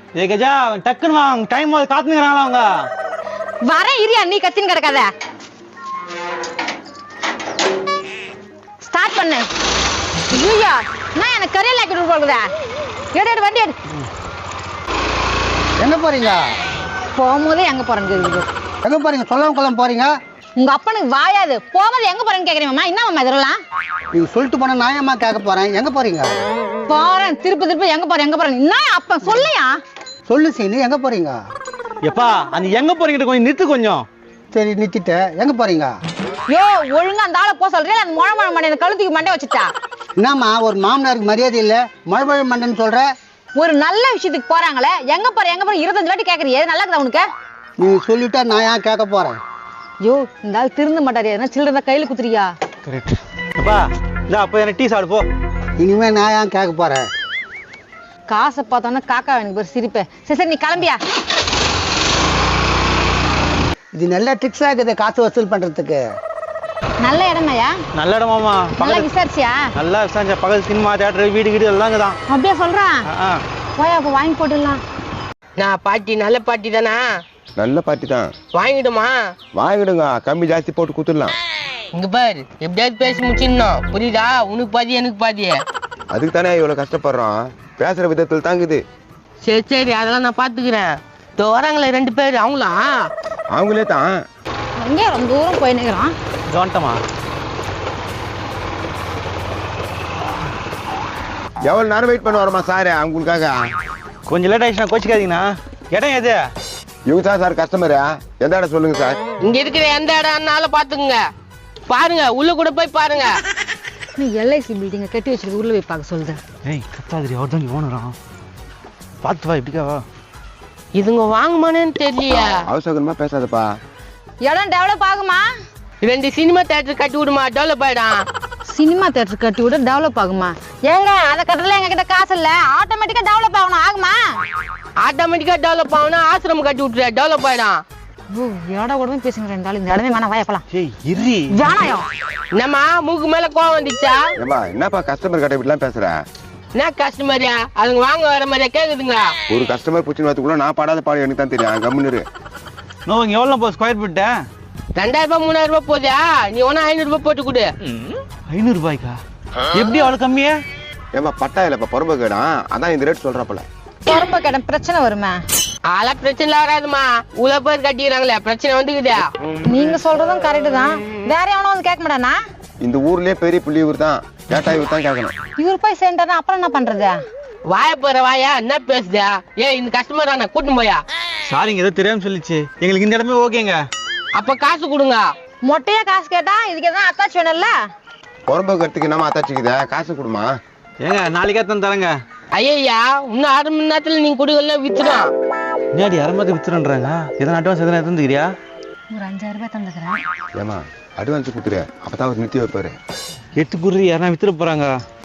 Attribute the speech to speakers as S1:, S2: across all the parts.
S1: ஏ கஜா டக்குன்னு வாங்க, டைம் காத்துங்கிறாங்களா அவங்க.
S2: வரேன் இரியா, நீ கத்தின்னு கிடக்காத. ஸ்டார்ட் பண்ணு. ஐயா நான் எனக்கு கரையில் ஆக்கிட்டு போகுதா? எடு வண்டி எடு.
S3: எங்க போறீங்க?
S2: போகும்போதே எங்க போறேன்னு கேக்குது.
S3: எங்க போறீங்க? சொல்லாம கொள்ளாம போறீங்க.
S2: உங்க அப்பனுக்கு வாயாது. போகும்போது எங்க போறேன்னு கேக்குறீங்கம்மா. என்ன மாமா இதெல்லாம்?
S3: நீங்க சொல்லிட்டு போனா நான் ஏமா கேட்க போறேன். எங்க போறீங்க?
S2: போறேன் திருப்பி எங்க போறேன் என்ன அப்ப சொல்லையா?
S3: சொல்லு சீனு, எங்க போறீங்க?
S1: எப்பா அந்த எங்க போறீங்க கொஞ்சம் நிறுத்து கொஞ்சம்.
S3: சரி நிறுத்திட்டு எங்க போறீங்க?
S2: யோ ஒழுங்கா அந்த ஆளை போக சொல்றேன். அந்த முழ மண்டை கழுத்துக்கு மண்டை வச்சுட்டா.
S3: என்னம்மா ஒரு மாமனாருக்கு மரியாதை இல்ல, மழை மண்டைன்னு சொல்ற?
S2: ஒரு நல்ல விஷயத்துக்கு போறாங்களே, எங்க போற 25 வாட்டி கேக்குறீங்க. நல்லா இருக்குதா உனக்கு?
S3: நீ சொல்லிட்டா நான் ஏன் கேட்க போறேன்?
S2: யோ இந்த ஆள் திருந்த மாட்டாரு. எதனா சில்லற கையில குத்துறியா?
S1: கரெக்ட். அப்பா இல்ல அப்ப என்ன டீ சாப்பிடு போ.
S3: இனிமே நான் ஏன் கேட்க போறேன்?
S2: காசை பார்த்தோன்னா காக்கா எனக்கு ஒரு சிரிப்பேன். சரி நீ கிளம்பியா?
S3: இது நல்ல ட்ரிக்ஸா இருக்குது காசு வசூல் பண்றதுக்கு.
S2: நல்ல இடமையா?
S1: நல்ல இடமாமா.
S2: நல்லா விசாரிச்சியா?
S1: நல்லா விசாரிச்சா. பக்கத்து சினிமா தியேட்டர் வீடு கீடு எல்லாம் தான்.
S2: அப்படியே சொல்றான். போய் அப்ப வாங்கி போட்டுடலாம்.
S4: நான் பாட்டி நல்ல பாட்டி தானா?
S5: நல்ல பாட்டி தான்.
S4: வாங்கிடுமா?
S5: வாங்கிடுங்க, கம்மி ஜாஸ்தி போட்டு குத்துடலாம்.
S4: இங்க பாரு, எப்படியாவது பேசி முடிச்சிடணும். புரியுதா? உனக்கு பாதி எனக்கு பாதி.
S5: அதுக்கு தானே இவ்வளவு கஷ்டப்படுறோம். பேசுற விதத்தில் தாங்குது.
S4: சரி அதெல்லாம் நான் பாத்துக்கிறேன். வராங்களே 2 பேர், அவங்களா?
S5: அவங்களே தான்.
S2: அங்கே ரொம்ப தூரம் போய் நிற்கிறான்.
S1: கவனமா.
S5: எவ்வளவு நேரம் வெயிட் பண்ண வரமா சார் அவங்களுக்காக?
S1: கொஞ்சம் லேட் ஆயிடுச்சுன்னா கோச்சிக்காதீங்கண்ணா. இடம் எது?
S5: இவங்க தான் சார் கஸ்டமரா? எந்த இடம் சொல்லுங்க சார்.
S4: இங்க இருக்கிற எந்த இடம்னாலும் பாத்துக்குங்க. பாருங்க, உள்ள கூட போய் பாருங்க.
S2: நீ எல்ஐசி பில்டிங்க கட்டி வச்சிருக்கு, உள்ள போய் பார்க்க சொல்லுது.
S1: ஏய் கத்தாதிரி, அவர் தான் ஓனரான். பார்த்து வா, இப்படிக்காவா?
S4: இதுங்க வாங்குமானேன்னு தெரியலையா?
S5: அவசரமா பேசாதப்பா.
S2: இடம் டெவலப் ஆகுமா?
S4: 2 சினிமா தியேட்டர் கட்டி விடுமா, டெவலப் ஆயிடும்.
S2: சினிமா தியேட்டர் கட்டி விட டெவலப் ஆகுமா? ஏங்க அதை கட்டல எங்க கிட்ட காசு இல்ல. ஆட்டோமேட்டிக்கா டெவலப் ஆகணும். ஆகுமா?
S4: ஆட்டோமேட்டிக்கா டெவலப் ஆகணும். ஆசிரமம் கட்டி விட்டுற, டெவலப் ஆயிடும்.
S2: ஓ ஏடா கூடவே பேசுங்க. 2 நாள் இந்த இடமே வேணாம். வாயா போலாம்.
S1: ஏய் இரி.
S2: வேணாயோ.
S4: என்னம்மா மூக்கு மேல கோவம் வந்துச்சா?
S5: ஏப்பா என்னப்பா கஸ்டமர் கிட்ட இப்படிலாம் பேசுற?
S4: என்ன கஸ்டமரியா? அதுங்க வாங்க வர மாதிரியா கேக்குதுங்களா?
S5: ஒரு கஸ்டமர் பிடிச்சின்னு வரதுக்குள்ள நான் பாடாத பாடு எனக்கு தான் தெரியும். கம்முன்னு.
S1: நோ இங்க எவ்வளவு போ ஸ்கொயர் ஃபீட்?
S4: 2000 ரூபாய் 3000 ரூபாய் போதா? நீ ஒன்னா 500 ரூபாய் போட்டு கொடு.
S1: 500 ரூபாய்க்கா? எப்படி அவ்வளவு கம்மியா?
S5: ஏப்பா பட்டா இல்லப்பா பொறுப்பு கேடா, அதான் இந்த ரேட் சொல்றப்பல.
S2: பொறுப்ப கேட்ட பிரச்சனை வருமா?
S4: அதெல்லாம் பிரச்சனை வராதுமா. உள்ள பேர் கட்டிக்கிறாங்களே, பிரச்சனை வந்துக்குதா?
S2: நீங்க சொல்றதும் கரெக்ட் தான். வேற எவனோ வந்து கேட்க மாட்டானா?
S5: இந்த ஊர்லயே பெரிய புள்ளி இவர் தான். கேட்டா இவர் தான் கேட்கணும்.
S2: இவர் போய் சேர்ந்தாருன்னா அப்புறம் என்ன பண்றது?
S4: வாய போற வாயா, என்ன பேசுதா? ஏய் இந்த கஸ்டமர் நான் கூட்டின்னு போயா?
S1: சாரிங்க, ஏதோ தெரியாம சொல்லிச்சு. எங்களுக்கு இந்த இடமே ஓகேங்க.
S4: அப்ப காசு கொடுங்க.
S2: மொட்டையா காசு கேட்டா இதுக்கு எதாவது அத்தாச்சு வேணும்ல?
S5: பொறுப்பு கட்டுக்கு என்னமா அத்தாச்சிக்குதா? காசு கொடுமா.
S1: ஏங்க நாளைக்கே தான் தரேங்க.
S4: ஐயா இன்னும் 1/2 மணி நேரத்துல நீங்க கொடுக்கல வித்துடும்.
S1: முன்னாடி அரமத்து வித்துறன்றாங்க. எதனா அட்வான்ஸ் எதனா எடுத்துக்கிறியா?
S2: ஒரு 5000 ரூபாய் தந்துக்கிறேன்.
S5: ஏமா அட்வான்ஸ் கொடுத்துரு, அப்பதான் அவர் நிறுத்தி வைப்பாரு.
S1: எட்டு குரு யாரா வித்துட போறாங்க.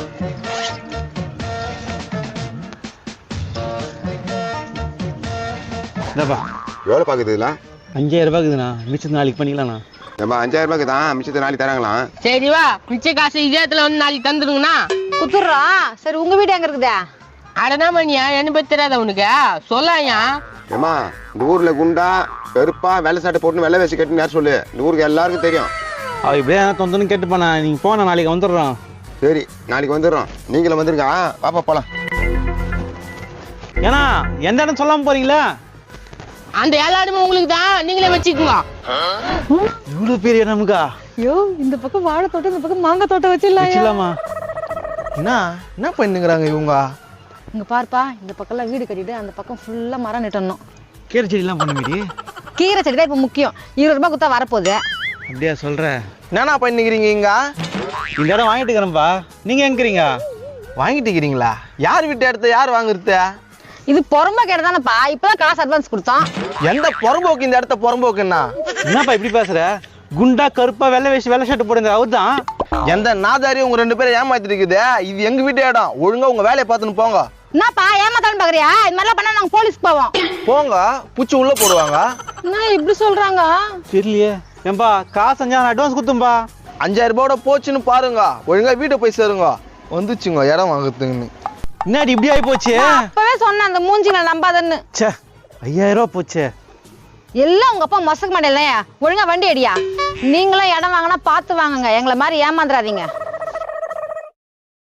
S1: என்னப்பா
S5: எவ்வளவு பாக்குதுல?
S1: 5000 ரூபாய்க்குதுண்ணா. மிச்சம் நாளைக்கு பண்ணிக்கலாம்ண்ணா.
S5: ஏமா 5000 ரூபாய்க்கு தான், மிச்சத்தை நாளைக்கு தராங்களாம்.
S4: சரி வா, மிச்ச காசு இதே இடத்துல வந்து நாளைக்கு தந்துருங்கண்ணா.
S2: குத்துறா. சரி உங்க வீடு எங்க இருக்குதா?
S4: அடனா மணியா, என்ன பத்தி தெரியாத உனக்கு? சொல்லாயா?
S5: ஏமா இந்த ஊர்ல குண்டா பெருப்பா வெள்ளை சாட்டை போட்டு வெள்ளை வேசி கட்டுன்னு யார் சொல்லு? இந்த ஊருக்கு எல்லாருக்கும் தெரியும்.
S1: அவ இப்படியே தொந்தன்னு கேட்டு போனா. நீங்க போனா நாளைக்கு வந்துடுறோம்.
S5: சரி நாளைக்கு வந்துடுறோம். நீங்களும் வந்துருங்க. பாப்பா போலாம்.
S1: ஏன்னா எந்த இடம் சொல்லாம போறீங்களா?
S4: அந்த எல்லாருமே உங்களுக்கு தான், நீங்களே வச்சுக்கோங்க.
S1: இவ்வளவு பெரிய இடமுக்கா?
S2: ஐயோ இந்த பக்கம் வாழை தோட்டம், இந்த பக்கம் மாங்காய் தோட்டம் வச்சிடலாமா?
S3: என்ன பண்ணுங்கிறாங்க இவங்க?
S2: இங்க பாருப்பா, இந்த பக்கம்லாம் வீடு கட்டிட்டு அந்த பக்கம் ஃபுல்லா மரம் நட்டணும்.
S1: கீரை செடி எல்லாம் பண்ண மீடி.
S2: கீரை செடி தான் இப்ப முக்கியம். 20 ரூபாய் கொடுத்தா வரப்போகுது.
S1: அப்படியா சொல்ற?
S3: என்னண்ணா பண்ணிக்கிறீங்க இங்க?
S1: இந்த இடம் வாங்கிட்டு இருக்கிறேன்ப்பா. நீங்க எங்கிறீங்க?
S3: வாங்கிட்டு இருக்கிறீங்களா? யார் வீட்டு இடத்த யார் வாங்குறது?
S2: இது பொறம்ப கேட்டதானப்பா. இப்பதான் காசு அட்வான்ஸ் கொடுத்தோம்.
S3: எந்த புறம்போக்கு இந்த இடத்த புறம்போக்குன்னா?
S1: என்னப்பா இப்படி பேசுற? குண்டா கருப்பா வெள்ளை வேஷ்டி வெள்ளை ஷர்ட் போடுங்க அவர்தான்.
S3: எந்த நாதாரி உங்க 2 பேரும் ஏமாத்திட்டு இருக்குது? இது எங்க வீட்டு இடம். ஒழுங்கா உங்க வேலையை பார்த்துன்னு போங்க.
S2: என்னப்பா ஏமாத்தாலும் பாக்குறியா? இது மாதிரிலாம் பண்ணா நாங்க போலீஸ்க்கு போவோம்.
S3: போங்க, பூச்சி உள்ள போடுவாங்க.
S2: என்ன இப்படி சொல்றாங்க?
S1: தெரியலையே. ஏன்பா காசு 5000 அட்வான்ஸ் கொடுத்தும்பா.
S3: 5000 ரூபாயோட போச்சுன்னு பாருங்க. ஒழுங்கா வீட்டை போய் சேருங்க. வந்துச்சுங்க இடம் வாங்குறதுன்னு.
S1: என்னடி இப்படி ஆகி போச்சு?
S2: நான் அப்பவே சொன்னேன் அந்த மூஞ்சிங்களை நம்பாதன்னு.
S1: ச்சே 5000 ரூபா போச்சு.
S2: எல்லாம் உங்க அப்பா மொசக்கு மாட்டேன். ஒழுங்கா வண்டி அடியா. நீங்களும் இடம் வாங்கினா பார்த்து வாங்குங்க, எங்களை மாதிரி ஏமாந்துடாதீங்க.